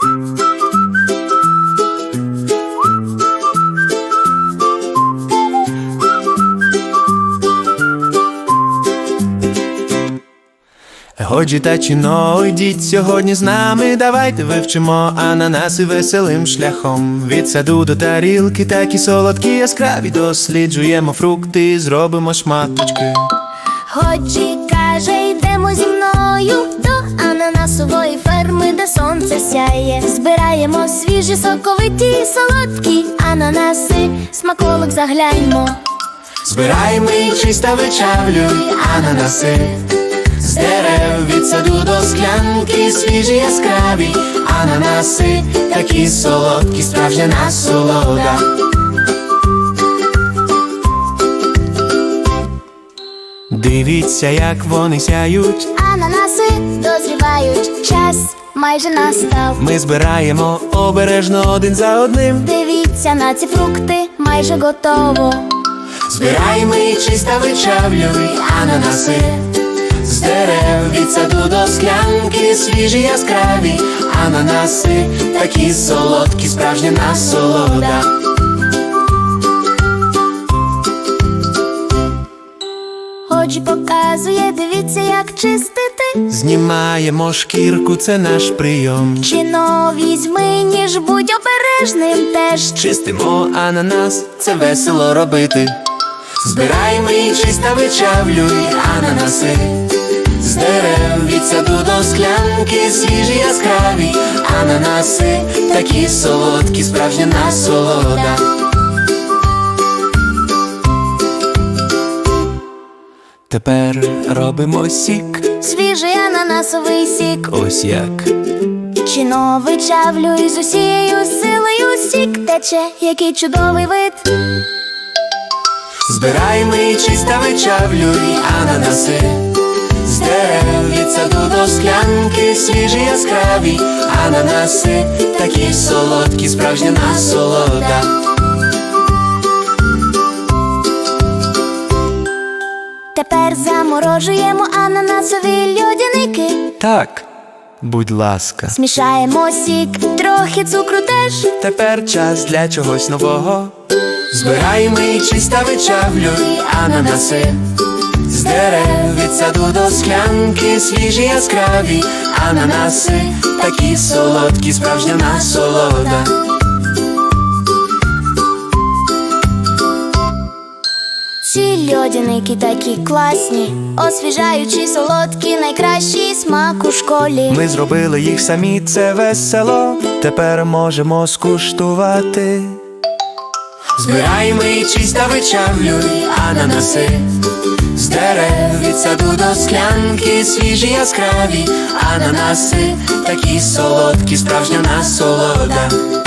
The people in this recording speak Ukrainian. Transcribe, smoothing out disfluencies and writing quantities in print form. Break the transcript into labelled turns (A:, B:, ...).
A: Годі та чіно, йдіть сьогодні з нами, давайте вивчимо ананаси веселим шляхом. Від саду до тарілки, такі солодкі, яскраві, досліджуємо фрукти, зробимо шматочки.
B: Годі каже, йдемо зі мною до ананасової ферми, де сонце сяє. Збираємо свіжі, соковиті, солодкі ананаси, смаколик загляньмо.
A: Збираємо і чисто вичавлюй ананаси з дерев, від саду до склянки, свіжі, яскраві ананаси, такі солодкі, справжня насолода. Дивіться, як вони сяють,
B: Ананаси дозрівають, час майже настав.
A: ми збираємо обережно один за одним.
B: Дивіться на ці фрукти, майже готово.
A: Збираємо і чисто вичавлюй ананаси з дерев, від саду до склянки, свіжі, яскраві ананаси, такі солодкі, справжня насолода.
B: Годі показує, дивіться, як чистити.
A: Знімаємо шкірку, це наш прийом.
B: Чино візьми, ніж будь обережним теж.
A: Чистимо ананас, це весело робити. Збираємо і чисто вичавлюй ананаси з дерев, від саду до склянки, свіжі, яскраві ананаси, такі солодкі, справжня насолода. Тепер робимо сік,
B: Свіжий ананасовий сік.
A: ось як.
B: Чино вичавлюй з усією силою, сік тече, який чудовий вид.
A: Збираємо і чисто вичавлюй ананаси з дерев, від саду до склянки, свіжі, яскраві ананаси, такі солодкі, справжня насолода.
B: Тепер заморожуємо ананасові льодяники.
A: Так, будь ласка.
B: Змішаємо сік, трохи цукру теж.
A: Тепер час для чогось нового. Збираємо і чисто вичавлюй ананаси з дерев, від саду до склянки, свіжі, яскраві ананаси, такі солодкі, справжня насолода.
B: Ці льодяники такі класні, освіжаючі, солодкі, найкращий смак у школі.
A: Ми зробили їх самі, це весело, тепер можемо скуштувати. Збираємо і чисто вичавлюй ананаси з дерев, від саду до склянки, свіжі, яскраві ананаси, такі солодкі, справжня насолода.